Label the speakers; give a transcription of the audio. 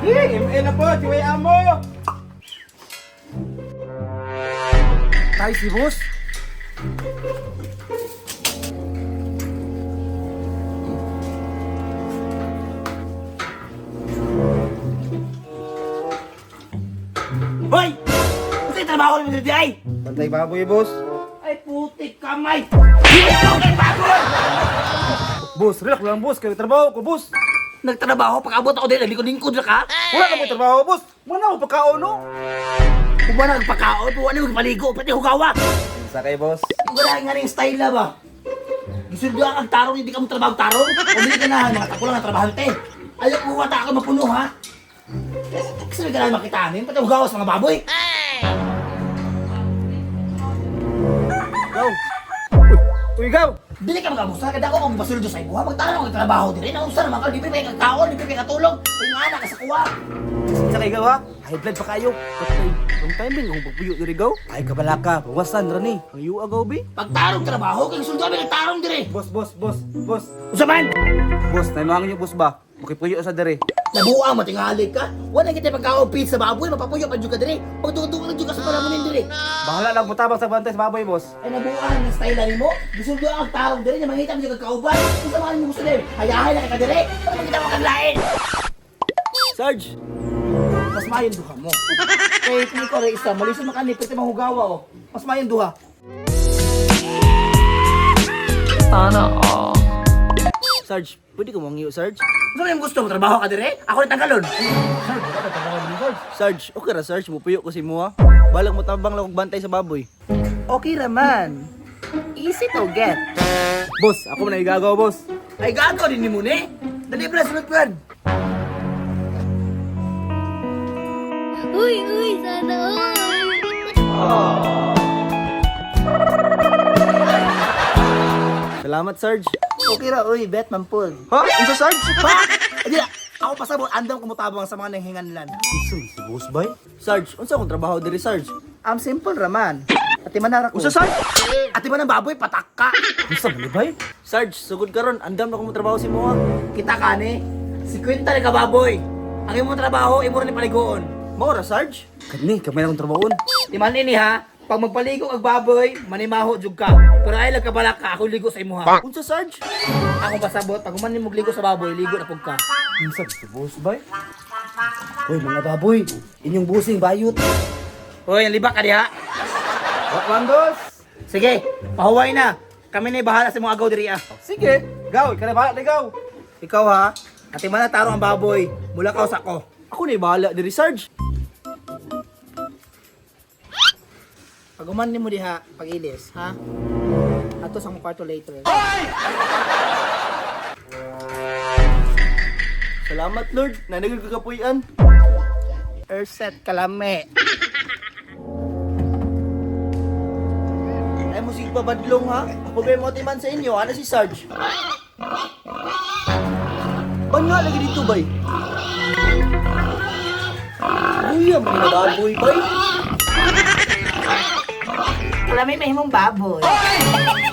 Speaker 1: ML na po, Chiway Amo! Tayo si boss.
Speaker 2: Hoy! Kasi trabaho naman dito ay!
Speaker 1: Pantay baboy, boss.
Speaker 2: Ay putik kamay! Hindi ko kay baboy!
Speaker 1: Boss, relax lang, boss. Kaya trabaho ko, boss.
Speaker 2: Nagtrabaho pag-abot ako din, nalikod-lingkod na ka?
Speaker 1: Wala na mo trabaho, boss. Wala mo pagkaon, no?
Speaker 2: Kung ba nagpakaon, kung ano magpaligo, pati hugawa!
Speaker 1: Sa kay boss.
Speaker 2: Yung ganahin nga rin style na ba? Gusto nyo ang tarong, hindi ka mo trabaho-tarong? Pumili ka na, mga takulang ang trabahante. Ayaw ko wata ka mapuno, ha? Gusto nyo ganahin makitanin, pati hugawas mga baboy.
Speaker 1: Ikaw. Uy, ikaw.
Speaker 2: Dili ka mag-amusta, kada ako kung basuldo sa ibuha, magtanong ang trabaho din. Namusta naman ka, di pa yung kaon, di pa yung katulong. Yung nga na, kasakuha.
Speaker 1: Sa kay ikaw, ha? High blood pa kayo. Patay. Long timing, kung pagpuyo diri gaw. Ay, kabala ka. Bawasan, Rani. Ang iyo agaw, bi.
Speaker 2: Pagtarong trabaho, kay suldo kami nagtarong dire.
Speaker 1: Boss.
Speaker 2: Usaman!
Speaker 1: Boss, naimangan niyo, boss ba? Makipuyo sa diri.
Speaker 2: Nabuang, matingali ka. Wala kita pagkaon pizza baboy, mapapuyo pa dyan ka dire. Pagtungtong lang dyan ka sa palamunin dire.
Speaker 1: Bahala lang mutabang sa bantay sa baboy, boss.
Speaker 2: Ay nabuang ng style ni mo. Gusto nyo ang tarong dire, niya mangita mo dyan kagkauban. Kung samahan mo gusto dire, hayahay na ka dire. Para makita mo kaglain.
Speaker 1: Sarge.
Speaker 2: Mas mayon duha mo. Kay kung ikaw rin isa, malisod makani, pwede mahugawa o. Mas mayon duha.
Speaker 3: Sana all.
Speaker 1: Sarge, pwede ko mangiyo, Sarge?
Speaker 2: Gusto mo yung gusto mo, trabaho ka dire? Ako rin tanggalon.
Speaker 1: Sarge, okay ra, Sarge. Mupuyo ko si Mua. Balang mo tabang lang kong bantay sa baboy.
Speaker 2: Okay raman. Easy to get.
Speaker 1: Boss, ako na igagaw, boss.
Speaker 2: Ay gago din ni mo ni. Dali pala sunod plan.
Speaker 4: Uy, sana all.
Speaker 1: Salamat, Sarge.
Speaker 2: Okay ra, uy, bet man po.
Speaker 1: Ha? Unsa, Sarge?
Speaker 2: Pa! Hindi na, ako pasabot, andam kumutabang sa mga nanghinganlan.
Speaker 1: Si boss bay? Sarge, unsa akong trabaho diri, Sarge?
Speaker 2: Simple raman. Ati manara ko.
Speaker 1: Unsa, Sarge?
Speaker 2: Ati man ang baboy, patak ka.
Speaker 1: Unsa man bay? Sarge, sugod ka ron. Andam na akong trabaho si Mua.
Speaker 2: Kita ka ni, si Quinta ni kababoy. Ang imong trabaho, imo rin paligoon.
Speaker 1: Maura, Sarge? Kani, kamay na akong trabahon.
Speaker 2: Timan ini ha, pag magpaligo ang baboy, manimaho jud ka. Pero ay lang kabala ka, ako ligo sa imo ha.
Speaker 1: Unsa, Sarge?
Speaker 2: Ako pasabot, pag uman mo ligo sa baboy, ligo na pug ka.
Speaker 1: Unsa, si boss bay?
Speaker 2: Hoy mga baboy, inyong busing bayot. Hoy, ang libak ka diha.
Speaker 1: Waklandos!
Speaker 2: Sige, pahuway na. Kami na bahala sa mga agaw diri ah.
Speaker 1: Sige, gaw, ikaw na bahala, ligaw.
Speaker 2: Ikaw ha, ati man na tarong ang baboy, mula ka sa ko.
Speaker 1: Ako na bahala diri, Sarge.
Speaker 2: Pag uman mo diha, pag-ilis, ha? Ato sa mong kwarto later.
Speaker 1: Salamat, Lord. Nanagod ko kapuyan.
Speaker 2: Erset kalame.
Speaker 1: Ay mo sige babadlong ha. Ako ba mo timan sa inyo? Ano si Sarge? Ban nga lagi dito bay? Uy, ang mga baboy bay.
Speaker 2: Kalame may himong baboy.